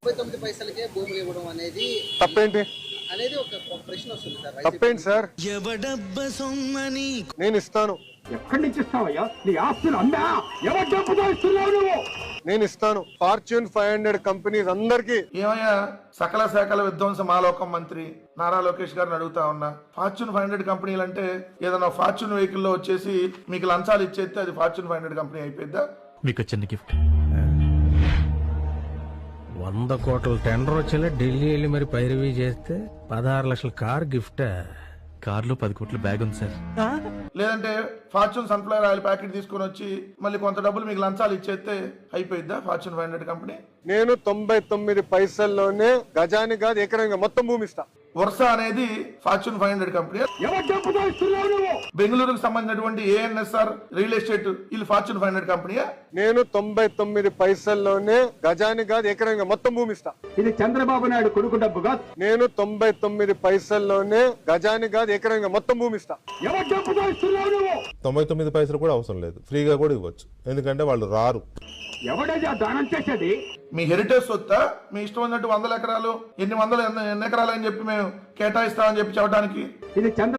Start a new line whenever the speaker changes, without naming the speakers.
39 పైసలకే భూములు ఇవ్వడం అనేది
తప్పేంటి
అనేది ఒక ప్రశ్న వస్తుంది సార్.
తప్పేంటి సార్? నేను ఇస్తాను.
ఎక్కడి నుంచి ఇస్తావయ్యా? నీ ఆస్తులు అమ్మా ఎవరి డబ్బుతో ఇస్తున్నావు నువ్వు?
నేను ఇస్తాను. ఫార్చ్యూన్ 500 కంపెనీస్ అందరికి.
ఏమయ్యా సకల శాఖల విధ్వంస మాలోకం మంత్రి నారా లోకేష్ గారిని అడుగుతా ఉన్నా, ఫార్చ్యూన్ 500 కంపెనీలు అంటే ఏదైనా ఫార్చ్యూన్ వెహికల్ లో వచ్చేసి మీకు లంచాలు ఇచ్చేస్తే అది ఫార్చ్యూన్ 500 కంపెనీ అయిపోద్దా?
మీకు చిన్న గిఫ్ట్.
100 కోట్ల టెండర్ వచ్చేలా ఢిల్లీ వెళ్ళి మరి పైరవీ చేస్తే 16 లక్షల కార్ గిఫ్ట్.
కార్లో 10 కోట్ల బ్యాగ్ ఉంది సార్.
లేదంటే ఫార్చ్యూన్ సన్ఫ్లవర్ ఆయిల్ ప్యాకెట్ తీసుకొని వచ్చి మళ్ళీ కొంత డబ్బులు మీకు లంచాలు ఇచ్చేస్తే అయిపోయిద్దా ఫార్చ్యూన్ 500 కంపెనీ?
నేను 99 పైసల్లోనే గజాని కాదు ఎకరంగా మొత్తం భూమి ఇస్తా.
వర్ష అనేది ఫార్చ్యూన్ 500 కంపెనీ.
ఎవరి డబ్బుతో ఇస్తున్నావు నువ్వు?
బెంగళూరుకు సంబంధించినటువంటి ఏఎన్ఎస్ఆర్ రియల్ ఎస్టేట్ వీళ్ళు ఫార్చ్యూన్ 500 కంపెనీయా?
నేను 99 పైసల్లోనే గజాని కాదు ఎకరంగా మొత్తం భూమి ఇస్తా.
ఇది చంద్రబాబు నాయుడు కొడుకు డబ్బుగా.
నేను 99 పైసల్లోనే గజాని కాదు ఎకరంగా మొత్తం భూమి ఇస్తా.
ఎవరి డబ్బుతో ఇస్తున్నావు నువ్వు?
99 పైసలు కూడా అవసరం లేదు, ఫ్రీగా కూడా ఇవ్వచ్చు, ఎందుకంటే వాళ్ళు రారు.
ఎవడైనా దానం చేసేది?
మీ హెరిటేజ్ సొత్తా? మీ ఇష్టం ఉన్నట్టు 100 ఎకరాలు ఎన్ని ఎకరాలు అని చెప్పి మేము కేటాయిస్తామని చెప్పి చెప్పడానికి?
ఇది చంద్ర